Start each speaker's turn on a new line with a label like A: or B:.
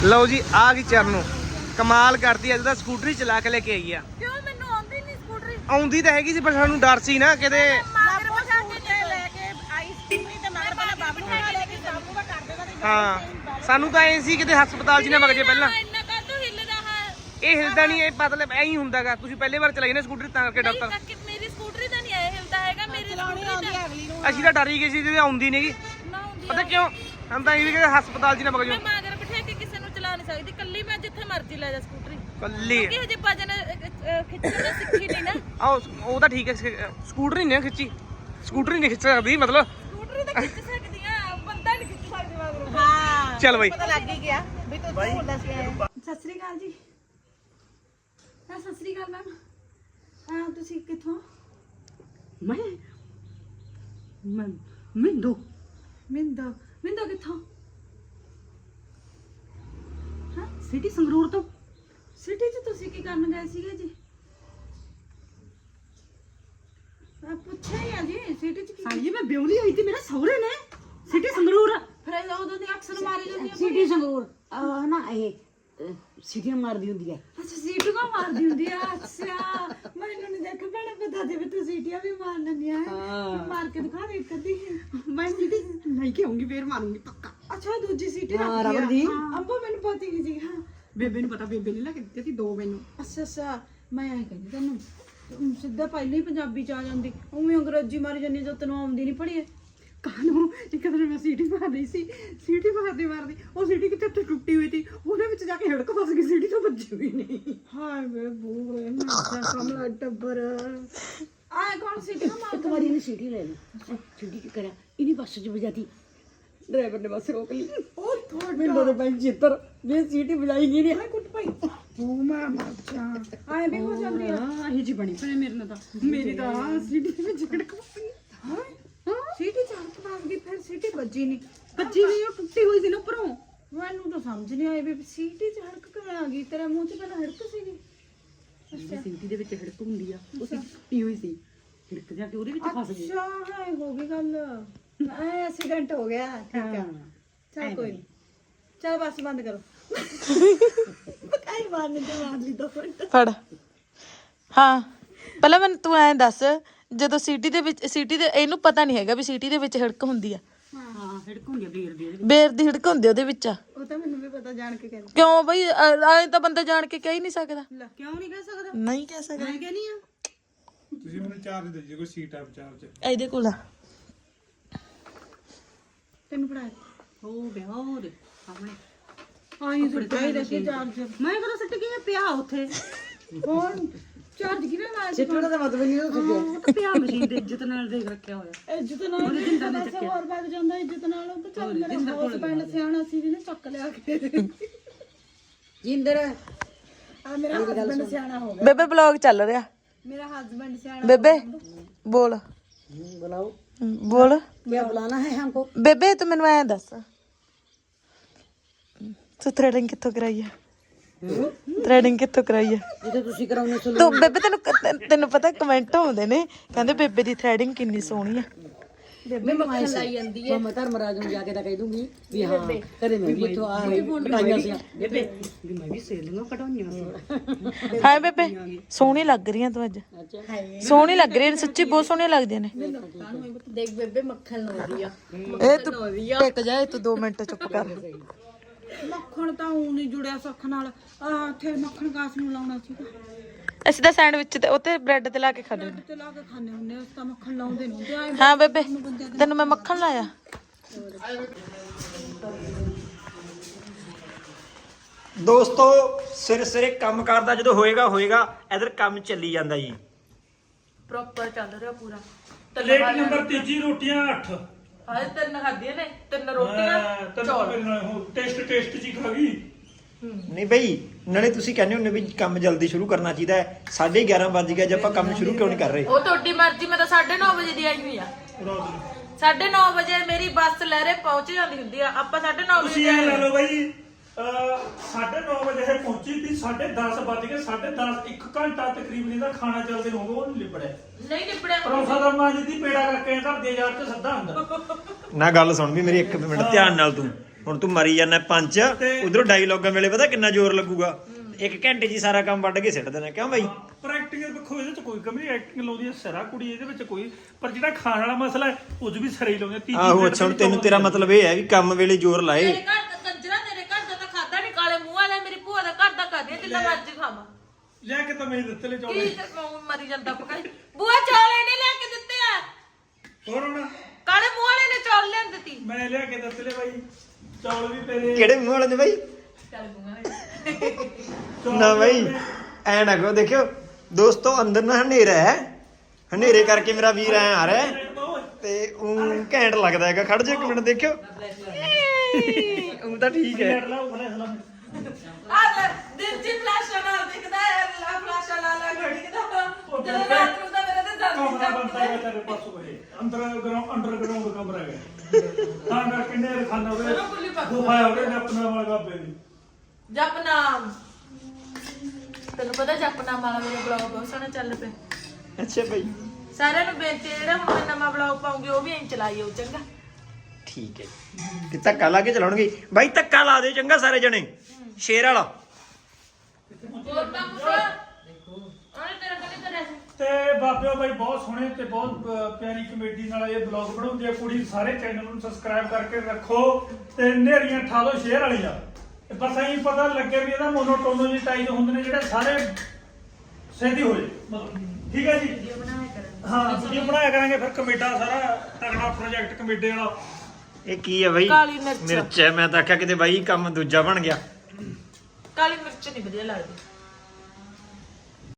A: ਲਓ ਜੀ ਆ ਗਈ ਚਰਨੋਂ ਕਮਾਲ ਕਰਦੀ ਅੱਜ ਤਾਂ ਸਕੂਟਰੀ ਚਲਾ ਕੇ ਲੈ ਕੇ ਆਈ ਆ।
B: ਕਿਉਂ ਮੈਨੂੰ ਆਉਂਦੀ ਨਹੀਂ ਸਕੂਟਰੀ?
A: ਆਉਂਦੀ ਤਾਂ ਹੈਗੀ ਸੀ ਪਰ ਸਾਨੂੰ ਡਰ ਸੀ ਨਾ ਕਿਤੇ
B: ਮਗਰ ਬਚਾ ਕੇ ਲੈ ਕੇ ਆਈ ਸਕੂਟਰੀ ਤੇ ਮਗਰ ਪਹਿਲਾਂ ਬਾਬੂ ਨੂੰ ਲੈ ਕੇ ਬਾਬੂ ਦਾ ਕਰ ਦੇਣਾ ਤੇ
A: ਹਾਂ ਸਾਨੂੰ ਤਾਂ ਐ ਸੀ ਕਿਤੇ ਹਸਪਤਾਲ 'ਚ ਨਾ ਵਗ ਜੇ ਪਹਿਲਾਂ।
B: ਇੰਨਾ ਕਾਹਤੋਂ ਹਿੱਲਦਾ ਹੈ?
A: ਇਹ ਹਿਲਦਾ ਨਹੀਂ ਇਹ ਮਤਲਬ ਐਂ ਹੀ ਹੁੰਦਾਗਾ। ਤੁਸੀਂ ਪਹਿਲੀ ਵਾਰ ਚਲਾਈ ਨਾ ਸਕੂਟਰੀ ਤਾਂ ਕਰਕੇ ਡਾਕਟਰ
B: ਮੇਰੀ ਸਕੂਟਰੀ ਤਾਂ ਨਹੀਂ ਆਇਆ ਹਿਲਦਾ ਹੈਗਾ। ਮੇਰੀ ਸਕੂਟਰੀ ਤਾਂ ਅਗਲੀ ਨੂੰ
A: ਅਸੀਂ ਤਾਂ ਡਰ ਹੀ ਗਏ ਸੀ ਜੇ ਆਉਂਦੀ ਨਹੀਂਗੀ।
B: ਨਾ ਹੁੰਦੀ
A: ਪਤਾ ਕਿਉਂ ਸਾਨੂੰ ਤਾਂ ਇਹ ਵੀ ਕਿਤੇ ਹਸਪਤਾਲ 'ਚ ਨਾ ਵਗ
B: ਮੈਂ
A: ਜਾਓ।
B: ਮਗਰ ਬਿਠਾ ਕੇ ਕਿਸੇ ਨੂੰ ਚਲਾ ਨਹੀਂ ਸਕਦੀ। ਕੱਲੀ ਮੈਂ ਜਿੱਥੇ ਮਰਜ਼ੀ ਲੈ ਜਾ ਸਕੂਟਰੀ।
A: ਕੱਲੀ
B: ਕਿ ਹਜੇ ਭਜਨ ਖਿੱਚਣਾ ਸਿੱਖੀ ਨਹੀਂ ਨਾ।
A: ਆਹ ਉਹ ਤਾਂ ਠੀਕ ਹੈ ਸਕੂਟਰੀ ਨਹੀਂ ਖਿੱਚੀ ਸਕੂਟਰੀ ਨਹੀਂ ਖਿੱਚ ਸਕਦੀ ਮਤਲਬ
B: ਸਕੂਟਰੀ ਤਾਂ ਖਿੱਚ ਸਕਦੀ ਆ ਬੰਦਾ ਨਹੀਂ ਖਿੱਚ ਸਕਦੀ ਮਗਰ। ਹਾਂ
A: ਚੱਲ ਬਈ
B: ਪਤਾ ਲੱਗ ਹੀ ਗਿਆ ਵੀ ਤੂੰ ਬੋਲਦਾ ਸੀ।
C: ਸਤਿ ਸ੍ਰੀ ਅਕਾਲ ਜੀ। ਹਾਂ ਸਤਿ ਸ੍ਰੀ ਅਕਾਲ ਮੈਮ। ਹਾਂ ਤੁਸੀਂ ਕਿੱਥੋਂ?
D: ਮੈਂ ਮਿੰਦੋ
C: ਮਿੰਦੋ ਕਿੱਥੋਂ? ਹਾਂ
D: ਸਿਟੀ ਸੰਗਰੂਰ ਤੋਂ।
C: ਸਿਟੀ 'ਚ ਤੁਸੀਂ ਕੀ ਕਰਨ ਗਏ ਸੀਗੇ ਜੀ? ਮੈਂ ਪੁੱਛਿਆ ਹੀ ਆ ਜੀ ਸਿਟੀ 'ਚ ਕੀ?
D: ਹਾਂਜੀ ਮੈਂ ਬਿਉਲੀ ਆਈ ਸੀ ਮੇਰੇ ਸਹੁਰੇ ਨੇ ਸਿਟੀ ਸੰਗਰੂਰ।
C: ਫਿਰ ਉਦੋਂ ਦੀ ਅਕਸਰ ਮਾਰੀ ਜਾਂਦੀ ਆ।
D: ਸਿਟੀ ਸੰਗਰੂਰ ਨਾ ਇਹ ਸਿਟੀ ਮਾਰਦੀ ਹੁੰਦੀ ਹੈ।
C: ਅੱਛਾ ਸੀਟੂ ਕਾ ਮਾਰਦੀ ਹੁੰਦੀ ਆ। ਅੱਛਾ ਮੈਨੂੰ ਨਹੀਂ ਦੇਖ ਭੈਣੇ ਪਤਾ ਤੇ ਵੀ ਤੂੰ ਸੀਟੀਆਂ ਵੀ ਮਾਰ ਲੈਂਦੀਆਂ ਹੈ। ਮਾਰ ਕੇ ਦਿਖਾ ਦੇ ਕਦੀ।
D: ਮੈਂ ਸਿਟੀ ਲੈ ਕੇ ਆਉਂਗੀ ਫੇਰ ਮਾਰੂੰਗੀ ਪੱਕਾ।
C: ਅੱਛਾ ਦੂਜੀ ਸੀਟੀ
D: ਹਾਂ,
C: ਰੱਖੀ
D: ਰਬੜ ਦੀ।
C: ਆ। ਅੰਬੋ ਮੈਨੂੰ ਪਤਾ ਹੀ ਨਹੀਂ ਸੀ। ਹਾਂ
D: ਬੇਬੇ ਨੂੰ ਪਤਾ ਬੇਬੇ ਨੇ ਲੈ ਕੇ ਦਿੱਤੇ ਸੀ 2 ਮੈਨੂੰ।
C: ਅੱਛਾ ਮੈਂ ਐਂ ਕਹਿੰਦੀ ਤੈਨੂੰ ਸਿੱਧਾ ਪਹਿਲਾਂ ਹੀ ਪੰਜਾਬੀ ਚ ਆ ਜਾਂਦੀ ਉਵੇਂ ਅੰਗਰੇਜ਼ੀ ਮਾਰੀ ਜਾਂਦੀ ਜੋ ਤੈਨੂੰ ਆਉਂਦੀ ਨਹੀਂ ਪੜ੍ਹੀ।
D: ਕਾਹਨੂੰ ਇੱਕ ਦਿਨ ਮੈਂ ਸੀਟੀ ਮਾਰ ਰਹੀ ਸੀ ਸੀਟੀ ਮਾਰਦੀ ਉਹ ਸੀਟੀ ਕਿਤੇ ਟੁੱਟੀ ਹੋਈ ਸੀ ਉਹਦੇ ਵਿੱਚ ਜਾ ਕੇ ਹਿੜਕ ਫਸ ਗਈ ਸੀਟੀ ਤੋਂ ਵੱਜੀ ਹੋਈ ਨਹੀਂ।
C: ਹਾਏ ਵੇ ਬੂਏ ਮੈਂ ਕਮਲਾ ਟੱਬਰ ਆਏ ਕੌਣ ਸੀਟੀ ਕਾ ਮਾਰ
D: ਇੱਕ ਵਾਰੀ ਇਹਨੇ ਸੀਟੀ ਲੈ ਲਈ ਸੀਟੀ ਕੀ ਕਰਿਆ ਇਹਨੇ ਬੱਸ 'ਚ ਵਜਾਤੀ ਡਰਾਈਵਰ ਨੇ ਬੱਸ ਰੋਕ ਲਈ।
C: ਉਹ ਥੋੜਾ
D: ਮੈਨੂੰ ਤਾਂ ਬੈਂਕ ਚਿੱਤਰ ਵੀ ਸੀਟੀ ਵਜਾਈ ਨਹੀਂ
C: ਹਾਏ ਕੁੱਟ ਪਈ ਉਹ ਮੈਂ ਮਰ ਜਾ ਆਏ ਵੀ ਹੋ ਜਾਂਦੀ ਆ।
D: ਇਹ ਜੀ ਬਣੀ ਪਰ ਮੇਰੇ ਨਾਲ ਤਾਂ ਮੇਰੀ ਤਾਂ ਸੀਟੀ ਦੇ ਵਿੱਚ ਹਿੜਕ ਫਸ ਗਈ।
C: ਹਾਏ ਸੀਟੀ ਚ ਹੱਥ ਮਾਰ ਗਈ ਫਿਰ ਸੀਟੀ ਵੱਜੀ ਨਹੀਂ।
D: ਕੱਚੀ ਨਹੀਂ ਉਹ ਟੁੱਟੀ ਹੋਈ ਸੀ ਨਾ ਉੱਪਰੋਂ।
C: ਮੈਨੂੰ ਤਾਂ ਸਮਝ ਨਹੀਂ ਆਈ ਵੀ ਸੀਟੀ ਚ ਹੜਕ ਕਿਵੇਂ ਆ ਗਈ। ਤੇਰੇ ਮੂੰਹ ਚ ਪਹਿਲਾਂ ਹੜਕ ਸੀਗੀ।
D: ਸੀਟੀ ਦੇ ਵਿੱਚ ਹਿੜਕ ਹੁੰਦੀ ਆ ਉਹ ਟੁੱਟੀ ਹੋਈ ਸੀ ਹਿੜਕ ਜਾ ਕੇ ਉਹਦੇ ਵਿੱਚ ਫਸ ਗਈ।
C: ਅੱਛਾ ਹਾਏ ਹੋ ਗਈ ਗੱਲ ਐ ਐਕਸੀਡੈਂਟ ਹੋ ਗਿਆ। ਠੀਕ ਆ ਚਲ ਕੋਈ ਨਹੀਂ ਚਲ ਬਸ ਬੰਦ ਕਰੋ। ਕਾਈ ਮਾਰਨੇ ਤੇ ਮਾਰ ਲਈ 2 ਮਿੰਟ।
E: ਫੜ ਹਾਂ ਪਹਿਲਾਂ ਮੈਨੂੰ ਤੂੰ ਐਂ ਦੱਸ ਜਦੋਂ ਸੀਟੀ ਦੇ ਵਿੱਚ ਸੀਟੀ ਦੇ ਇਹਨੂੰ ਪਤਾ ਨਹੀਂ ਹੈਗਾ ਵੀ ਸੀਟੀ ਦੇ ਵਿੱਚ ਹਿੜਕ ਹੁੰਦੀ ਆ।
D: ਹਾਂ ਹਿੜਕ ਹੁੰਦੀ ਆ ਬੇਰ ਦੀ
E: ਬੇਰ ਦੀ ਹਿੜਕ ਹੁੰਦੀ ਉਹਦੇ ਵਿੱਚ ਆ।
C: ਉਹ ਤਾਂ ਮੈਨੂੰ ਵੀ ਪਤਾ ਜਾਣ ਕੇ ਕਹਿੰਦੇ।
E: ਕਿਉਂ ਬਈ ਐਂ ਤਾਂ ਬੰਦਾ ਜਾਣ ਕੇ ਕਹਿ ਹੀ ਨਹੀਂ ਸਕਦਾ।
D: ਕਿਉਂ ਨਹੀਂ ਕਹਿ ਸਕਦਾ
E: ਨਹੀਂ ਕਹਿ ਸਕਦਾ।
D: ਮੈਂ ਕਹਿੰਦੀ ਆ
F: ਤੁਸੀਂ ਮੈਨੂੰ ਚਾਰਜ ਦੇ ਦਿਓ ਕੋਈ ਸੀਟ ਆ ਚਾਰਜ।
E: ਇਹਦੇ ਕੋਲ ਆ
C: ਤੈਨੂੰ ਪੜਾ
D: ਹੋ ਗਿਆ ਹੋਰ ਸਾਹਮਣੇ
C: ਆਈ ਸੁੱਟਾਈ ਰੱਖੀ ਚਾਰਜਰ।
D: ਮੈਂ ਕਦੋਂ ਸੱਟ ਗਿਆ ਪਿਆ ਉੱਥੇ
C: ਹੋਰ ਚਾਰਜ ਕਿਹਨੇ ਲਾਇਆ ਸੀ?
D: ਸਿੱਟਣ ਦਾ ਮਤਲਬ ਨਹੀਂ ਉਹ ਤਾਂ ਪਿਆ ਮਸ਼ੀਨ ਤੇ ਇੱਜ਼ਤ ਨਾਲ ਦੇਖ ਰੱਖਿਆ ਹੋਇਆ।
C: ਇੱਜ਼ਤ ਨਾਲ ਪੈਸੇ ਹੋਰ ਵਗ ਜਾਂਦਾ ਇੱਜ਼ਤ ਨਾਲ। ਉਹ ਤਾਂ ਚੱਲ ਮੇਰਾ ਹੋਸ ਪਿੰਡ ਸਿਆਣਾ ਸੀ ਜਿਹਨੇ ਚੱਕ ਲਿਆ ਕੇ।
D: ਜਿੰਦਰ
C: ਆ ਮੇਰਾ ਹਸਬੰਡ ਸਿਆਣਾ ਹੋ ਗਿਆ।
E: ਬੇਬੇ ਬਲੌਗ ਚੱਲ ਰਿਹਾ।
C: ਮੇਰਾ ਹਸਬੰਡ ਸਿਆਣਾ।
E: ਬੇਬੇ ਬੋਲ
D: ਬੁਲਾਓ
E: ਬੋਲ
D: क्या बुलाना है हमको।
E: ਬੇਬੇ ਤੂੰ ਮੈਨੂੰ ਐਂ ਦੱਸ ਤੂੰ ਥ੍ਰੈਡਿੰਗ ਕਿੱਥੋਂ ਕਰਾਈ ਆ? ਥ੍ਰੈਡਿੰਗ ਕਿੱਥੋਂ ਕਰਾਈ ਆ
D: ਜਿੱਥੇ ਤੁਸੀਂ ਕਰਾਉਣੇ ਸੋ
E: ਤੂੰ ਬੇਬੇ ਤੈਨੂੰ ਪਤਾ ਕਮੈਂਟ ਆਉਂਦੇ ਨੇ ਕਹਿੰਦੇ ਬੇਬੇ ਦੀ ਥ੍ਰੈਡਿੰਗ ਕਿੰਨੀ ਸੋਹਣੀ ਆ।
D: ਬੇਬੇ ਮੱਖਣ ਲਾਈ ਜਾਂਦੀ ਹੈ ਮੈਂ ਧਰਮਰਾਜ ਨੂੰ ਜਾ ਕੇ ਤਾਂ ਕਹਿ ਦੂੰਗੀ ਵੀ ਹਾਂ ਕਰੇ ਮੈਂ ਵੀ ਇੱਥੋਂ ਆ ਕਟਾਈਆਂ ਸੀ ਬੇਬੇ ਵੀ ਮੈਂ ਵੀ ਸੇਲੀਆਂ ਕਟਾਈਆਂ ਸੀ।
E: ਹਾਂ ਬੇਬੇ ਸੋਹਣੀ ਲੱਗ ਰਹੀ ਆ ਤੂੰ ਅੱਜ। ਸੋਹਣੀ ਲੱਗ ਰਹੀ ਹੈ ਸੱਚੀ ਬਹੁਤ ਸੋਹਣੀਆਂ ਲੱਗਦੀਆਂ ਨੇ।
B: ਦੇਖ ਬੇਬੇ ਮੱਖਣ ਲਾਉਂਦੀ ਆ।
E: ਇਹ ਤੂੰ ਟਿਕ ਜਾ ਤੂੰ 2 ਮਿੰਟ ਚੁੱਪ ਕਰ।
C: ਮੱਖਣ ਤਾਂ ਉਹ ਨਹੀਂ ਜੁੜਿਆ ਸੁੱਖ ਨਾਲ। ਆ ਇੱਥੇ ਮੱਖਣ ਕਾਸ ਨੂੰ ਲਾਉਣਾ ਸੀਗਾ।
E: ਅਸੀਂ ਤਾਂ ਸੈਂਡਵਿਚ ਤੇ ਉੱਤੇ ਬ੍ਰੈਡ ਤੇ ਲਾ ਕੇ ਖਾਂਦੇ ਨੇ।
C: ਤੇ ਲਾ ਕੇ ਖਾਣੇ ਹੁੰਦੇ ਉਸ ਤਾਂ ਮੱਖਣ ਲਾਉਂਦੇ ਨਹੀਂ ਤੇ ਆਏ
E: ਹਾਂ ਬੇਬੇ ਤੈਨੂੰ ਮੈਂ ਮੱਖਣ ਲਾਇਆ।
A: ਦੋਸਤੋ ਸਿਰੇ ਕੰਮ ਕਰਦਾ ਜਦੋਂ ਹੋਏਗਾ ਇਧਰ ਕੰਮ ਚੱਲੀ ਜਾਂਦਾ ਜੀ।
E: ਪ੍ਰੋਪਰ ਚੱਲ ਰਿਹਾ ਪੂਰਾ।
F: ਪਲੇਟ ਨੰਬਰ 3 ਰੋਟੀਆਂ 8।
E: ਹਾਏ 3 ਖਾਧੀਆਂ ਨੇ 3 ਰੋਟੀਆਂ ਚੌਲ।
F: ਟੇਸਟ ਜੀ ਖਾ ਗਈ।
A: ਨਹੀਂ ਬਈ ਨਾਲੇ ਤੁਸੀਂ ਕਹਿੰਦੇ ਹੁੰਦੇ ਵੀ ਕੰਮ ਜਲਦੀ ਸ਼ੁਰੂ ਕਰਨਾ ਚਾਹੀਦਾ ਹੈ। 11:30 ਵੱਜ ਗਏ ਜੇ ਆਪਾਂ ਕੰਮ ਸ਼ੁਰੂ ਕਿਉਂ ਨਹੀਂ ਕਰ ਰਹੇ?
E: ਉਹ ਤੁਹਾਡੀ ਮਰਜ਼ੀ। ਮੈਂ ਤਾਂ 9:30 ਵਜੇ ਦੀ ਆਈ ਹੋਈ ਆ। 9:30 ਵਜੇ ਮੇਰੀ ਬੱਸ ਲਹਿਰੇ ਪਹੁੰਚ ਜਾਂਦੀ ਹੁੰਦੀ ਆ। ਆਪਾਂ 9:30
F: ਤੁਸੀਂ
E: ਵਜੇ
F: ਇਹ ਲੈ ਲਓ ਬਾਈ 9:30 ਵਜੇ ਇਹ ਪਹੁੰਚੀ ਸੀ 10:30 ਵੱਜ ਗਏ 10:30 1 ਘੰਟਾ ਤਕਰੀਬਨ ਇਹਦਾ ਖਾਣਾ ਚੱਲਦੇ ਨੂੰ ਉਹ ਨਹੀਂ ਲਿਬੜਿਆ।
E: ਨਹੀਂ ਨਿਬੜਿਆ।
F: ਪਰੌਂਠਾ ਦਾ ਮਾਂ ਜੀ ਦੀ ਪੇੜਾ ਕਰਕੇ ਘਰ ਦੇ ਯਾਰ ਤੇ ਸੱਦਾ ਹੁੰਦਾ।
A: ਨਾ ਗੱਲ ਸੁਣ ਵੀ ਮੇਰੀ 1 ਮਿੰਟ ਧਿਆਨ ਨਾਲ ਤੂੰ ਹੁਣ ਤੂੰ ਮਰੀ ਜਾਂਦਾ ਪੰਜ ਉਧਰੋਂ ਡਾਇਲੌਗਾਂ ਵੇਲੇ ਪਤਾ ਕਿੰਨਾ ਜ਼ੋਰ ਲੱਗੂਗਾ 1 ਘੰਟੇ 'ਚ ਹੀ ਸਾਰਾ ਕੰਮ ਵੱਢ ਕੇ ਸਿੱਟ ਦੇਣਾ ਕਿਉਂ ਬਾਈ
F: ਪਰ ਐਕਟਿੰਗ ਵੇਖੋ ਇਹਦੇ 'ਚ ਕੋਈ ਕਮੀ ਐਕਟਿੰਗ ਲਾਉਂਦੀ ਹੈ ਸਿਰਾ ਕੁੜੀ ਇਹਦੇ ਵਿੱਚ ਕੋਈ ਪਰ ਜਿਹੜਾ ਖਾਣ ਵਾਲਾ ਮਸਲਾ ਹੈ ਉਹ 'ਚ ਵੀ ਸਿਰੇ ਹੀ ਲਾਉਂਦੇ ਤੀਜੀ
A: ਆਹੋ ਅੱਛਾ ਹੁਣ ਤੈਨੂੰ ਤੇਰਾ ਮਤਲਬ ਇਹ ਹੈ ਵੀ ਕੰਮ ਵੇਲੇ ਜ਼ੋਰ ਲਾਏ
E: ਤੇਰੇ ਘਰ ਦਾ ਕੰਜਰਾ ਤੇਰੇ ਘਰ ਦਾ ਤਾਂ ਖਾਦਾ ਨਹੀਂ ਕਾਲੇ ਮੂੰਹ ਵਾਲਾ ਮੇਰੀ ਭੂਆ ਦਾ ਘਰ ਦਾ ਖਾਦੇ ਜਿੰਨਾ ਮਰਜ਼ੀ ਖਾਵਾਂ
F: ਲੈ ਕੇ ਤਾਂ ਮੈਂ ਦਿੱਤੇ ਲੈ
E: ਕੀ
F: ਚੌਲੇ
E: ਤੇ ਮਰੀ ਜਾਂਦਾ ਪਕਾਈ ਬੂਆ ਚੌਲ ਇਹਨੇ ਲੈ ਕੇ ਦਿੱਤੇ ਆ
F: ਹੋਰ ਹੁਣ
E: ਕਾਲੇ ਮੂੰਹ ਵਾਲੇ ਨੇ ਚੌਲ ਲਿਆਂਦੇ ਤੀ
F: ਮੈਂ ਲਿਆ ਕੇ ਦਿੱਤੇ ਲੈ ਬਾਈ ਚੌਲ ਵੀ ਤੇਰੇ
A: ਕਿਹੜੇ ਮੂੰਹ ਵਾਲੇ ਨੇ ਬਾਈ
E: ਕਾਲੇ ਮੂੰਹ ਵਾਲੇ
F: ਚੌਲ
A: ਨਾ
F: ਵੀ
A: ਬਾਈ
F: ਤੇਰੇ।
A: ਐ ਨਾ ਕਹੋ ਦੇਖਿਓ ਦੋਸਤੋ ਅੰਦਰ ਨਾ ਹਨੇਰਾ ਹੈ ਹਨੇਰੇ ਕਰਕੇ ਮੇਰਾ ਵੀਰ ਐ ਆ ਰਿਹਾ ਹੈ ਤੇ ਉਹ ਘੈਂਟ ਲੱਗਦਾ ਹੈਗਾ ਖੜ ਜਾ 1 ਮਿੰਟ ਦੇਖਿਓ ਉਹ ਤਾਂ ਠੀਕ ਹੈ
F: ਲੈਟ ਲਾ ਉਹ ਫਲੈਸ਼ ਲਾ
E: ਆ ਲੈ ਦਿਲ ਜੀ ਫਲਾਸ਼ਾ ਨਾਲ ਦਿਖਦਾ ਹੈ ਲਾ ਫਲਾਸ਼ਾ ਲਾ ਲਾ ਘੜੀ ਕਿਦਾ ਜਦੋਂ ਰਾਤ ਨੂੰ ਤਾਂ ਮੇਰੇ ਤੇ
F: ਕਮਰਾ
E: ਦਰਦ
F: ਬਣਦਾ ਹੈ ਤੇਰੇ ਪਾਸੋਂ ਇਹ ਅੰਡਰਗਰਾਉਂਡ ਕਮਰਾ ਹੈ ਤਾਂ ਕਰਕੇ ਨੇ ਖਾਣਾ ਹੋਵੇ ਗੁਫਾ ਹੋਵੇ ਨੇ ਆਪਣਾ ਵਾਲਾ ਬਾਬੇ ਦੀ
E: ਜਪਨਾਮ ਤੈਨੂੰ ਪਤਾ ਜਪਨਾਮ ਵਾਲਾ ਮੇਰਾ ਬਲੌਗ ਬਹੁਤ ਸੋਹਣਾ ਚੱਲ ਪਿਆ
A: ਅੱਛਾ ਬਾਈ
E: ਸਾਰਿਆਂ ਨੂੰ ਬੇਨਤੀ ਹੈ ਜਿਹੜਾ ਹੁਣ ਮੈਂ ਨਵਾਂ ਬਲੌਗ ਪਾਉਂਗੀ ਉਹ ਵੀ ਐਂ ਚਲਾਈਓ ਚੰਗਾ
A: ਠੀਕ ਹੈ ਤੇ ਧੱਕਾ ਲਾ ਕੇ ਚਲਾਉਣਗੇ ਬਾਈ ਧੱਕਾ ਲਾ ਦੇ ਚੰਗਾ ਸਾਰੇ ਜਣੇ ਸ਼ੇਰ ਵਾਲਾ
E: ਹੋਰ ਤਾਂ ਕੁਛ ਉਹਨੇ ਤੇਰਾ ਕਦੇ ਕਰਿਆ ਸੀ
F: ਤੇ ਬਾਬਿਓ ਬਾਈ ਬਹੁਤ ਸੋਹਣੇ ਤੇ ਬਹੁਤ ਪਿਆਰੀ ਕਮੇਡੀ ਨਾਲ ਇਹ ਬਲੌਗ ਬਣਾਉਂਦੀ ਹੈ ਕੁੜੀ ਸਾਰੇ ਚੈਨਲ ਨੂੰ ਸਬਸਕ੍ਰਾਈਬ ਕਰਕੇ ਰੱਖੋ ਤੇ ਨੇਰੀਆਂ ਠਾ ਲਓ ਸ਼ੇਅਰ ਵਾਲੀਆਂ ਤੇ ਬਸ ਐਂ ਪਤਾ ਲੱਗੇ ਵੀ ਇਹਦਾ ਮੋਨੋਟੋਨੋ ਜਿਹੇ ਟਾਈਪ ਹੁੰਦੇ ਨੇ ਜਿਹੜੇ ਸਾਰੇ ਸਹਿਦੀ ਹੋ ਜੇ ਮਤਲਬ ਠੀਕ ਹੈ ਜੀ ਹਾਂ ਵੀਡੀਓ ਬਣਾਇਆ ਕਰਾਂਗੇ ਫਿਰ ਕਮੇਡਾ ਸਾਰਾ ਤਗੜਾ ਪ੍ਰੋਜੈਕਟ ਕਮੇਡੇ ਵਾਲਾ
A: ਇਹ ਕੀ ਹੈ ਬਾਈ
E: ਕਾਲੀ ਮਿਰਚ।
A: ਮਿਰਚ ਹੈ ਮੈਂ ਤਾਂ ਆਖਿਆ ਕਿਤੇ ਬਾਈ ਕੰਮ ਦੂਜਾ ਬਣ ਗਿਆ
E: ਕਾਲੀ ਮਿਰਚ ਨਹੀਂ ਵਧੀਆ ਲੱਗਦੀ